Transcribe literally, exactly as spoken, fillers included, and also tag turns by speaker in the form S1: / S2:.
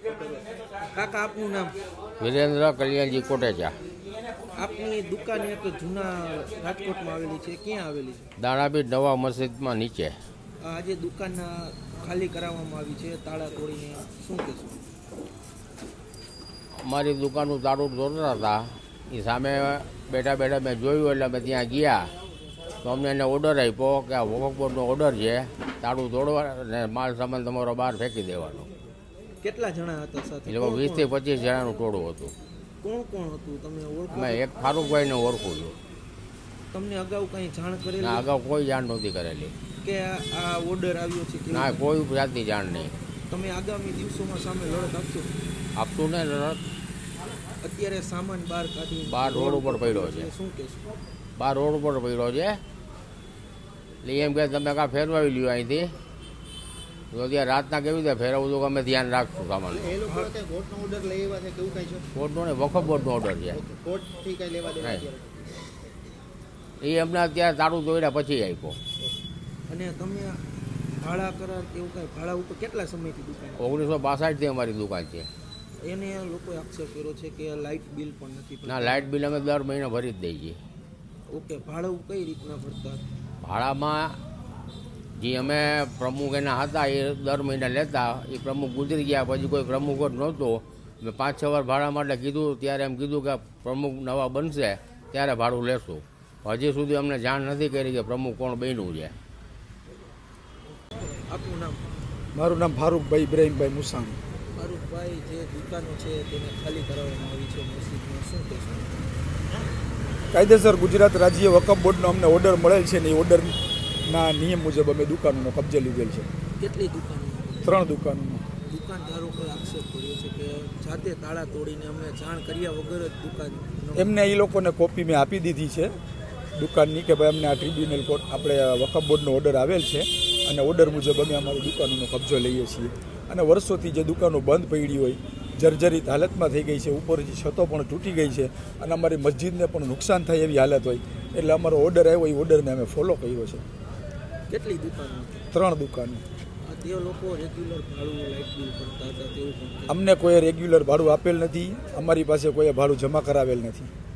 S1: કાકા આપનું નામ?
S2: વિરેન્દ્ર કલ્યાણજી કોટેચા.
S1: આપની દુકાન એક જૂના રાજકોટમાં આવેલી છે, ક્યાં આવેલી છે?
S2: દાણાબીડ નવા મસ્જિદમાં નીચે.
S1: આજે દુકાન ખાલી કરાવવામાં આવી છે તાળા તોડીને, શું કહેશો?
S2: અમારી દુકાનનું તાળું તોડતા હતા, એ સામે બેઠા બેઠા મેં જોયું એટલે અમે ત્યાં ગયા તો અમને એને ઓર્ડર આપ્યો કે આ વકફ બોર્ડનો ઓર્ડર છે, તાળું તોડવા અને માલ સામાન તમારો બહાર ફેંકી દેવાનો.
S1: કેટલા જણા હતા સાથે?
S2: એટલે વીસથી પચીસ જણાનું ટોળું હતું.
S1: કોણ કોણ હતું તમે ઓળખો?
S2: મેં એક ફારૂકભાઈને ઓળખું છું.
S1: તમને અગાઉ કંઈ જાણ કરેલી?
S2: ના, અગાઉ કોઈ જાણ નહોતી કરેલી.
S1: કે આ ઓર્ડર આવ્યો છે?
S2: ના, કોઈ જાતની જાણ નહીં.
S1: તમે આગામી દિવસોમાં સામે લડત આપશો?
S2: આપતું ને લડત.
S1: અત્યારે સામાન બહાર કાઢી
S2: બહાર રોડ ઉપર પડ્યો છે.
S1: શું કહેશો?
S2: બહાર રોડ ઉપર પડ્યો છે એટલે એમ કે તમે કાં ફેરવાવી લ્યો અહીંથી, તો ત્યાં રાતના કેવી રીતે ફેરવવું તો અમે ધ્યાન રાખશું સામાન.
S3: એ લોકો કોર્ટનો ઓર્ડર લઈ આવ્યા છે કેવું કઈ છે?
S2: કોર્ટનો ને વકફ બોર્ડનો ઓર્ડર છે.
S3: કોર્ટથી કઈ લેવા દેવા
S2: નહીં, એ અમને અત્યારે તાળું તોડ્યા પછી આપ્યો.
S1: અને તમે ભાડા કરાર એવું કાંઈ ભાડા ઉપર કેટલા સમયથી દુકાન?
S2: ઓગણીસો બાસઠથી અમારી દુકાન છે.
S1: એને લોકોએ આક્ષેપ કર્યો છે કે લાઇટ બિલ પણ નથી ભરતા.
S2: ના, લાઇટ બિલ અમે દર મહિને ભરી જ દઈએ છીએ.
S1: ઓકે, ભાડું કઈ રીતના ભરતા?
S2: ભાડામાં જે અમે પ્રમુખ એના હતા એ દર મહિને લેતા, એ પ્રમુખ ગુજરી ગયા પછી કોઈ પ્રમુખ જ નહોતો. મેં પાંચ છ વાર ભાડા માટે કીધું, ત્યારે એમ કીધું કે પ્રમુખ નવા બનશે ત્યારે ભાડું લેશું. હજી સુધી અમને જાણ નથી કરી કે પ્રમુખ કોણ બન્યું છે.
S1: આપનું નામ?
S4: મારું નામ ફારૂકભાઈ ઇબ્રાહીમભાઈ મુસાણી.
S1: ફારૂકભાઈ, જે દુકાનો છે તેને ખાલી કરાવવામાં આવી છે મસ્જિદમાં, શું કહેશો?
S4: કાયદેસર ગુજરાત રાજ્ય વકફ બોર્ડનો અમને ઓર્ડર મળેલ છે ને એ ઓર્ડરના નિયમ મુજબ અમે દુકાનોનો કબજે લીધેલ છે.
S1: કેટલી દુકાનો?
S4: ત્રણ દુકાનોનો.
S1: દુકાનદારો કોઈ આક્ષેપ કર્યો છે કે જાતે તાળા તોડીને અમને જાણ કર્યા વગર જ દુકાન?
S4: એમને એ લોકોને કોપી મેં આપી દીધી છે દુકાનની કે ભાઈ અમને આ ટ્રિબ્યુનલ કોર્ટ આપણે વકફ બોર્ડનો ઓર્ડર આવેલ છે અને ઓર્ડર મુજબ અમે અમારી દુકાનોનો કબજો લઈએ છીએ. અને વર્ષોથી જે દુકાનો બંધ પડી હોય, જર્જરિત હાલતમાં થઈ ગઈ છે, ઉપરથી છતો પણ તૂટી ગઈ છે અને અમારી મસ્જિદને પણ નુકસાન થાય એવી હાલત હોય, એટલે અમારો ઓર્ડર આવ્યો એ ઓર્ડરને અમે ફોલો કર્યો છે.
S1: કેટલી દુકાનો?
S4: ત્રણ દુકાનો.
S1: તે લોકો રેગ્યુલર ભાડું લાઇટ બિલ ભરતા હતા તેવું પણ?
S4: અમને કોઈ રેગ્યુલર ભાડું આપેલ નથી, અમારી પાસે કોઈ ભાડું જમા કરાવેલ નથી.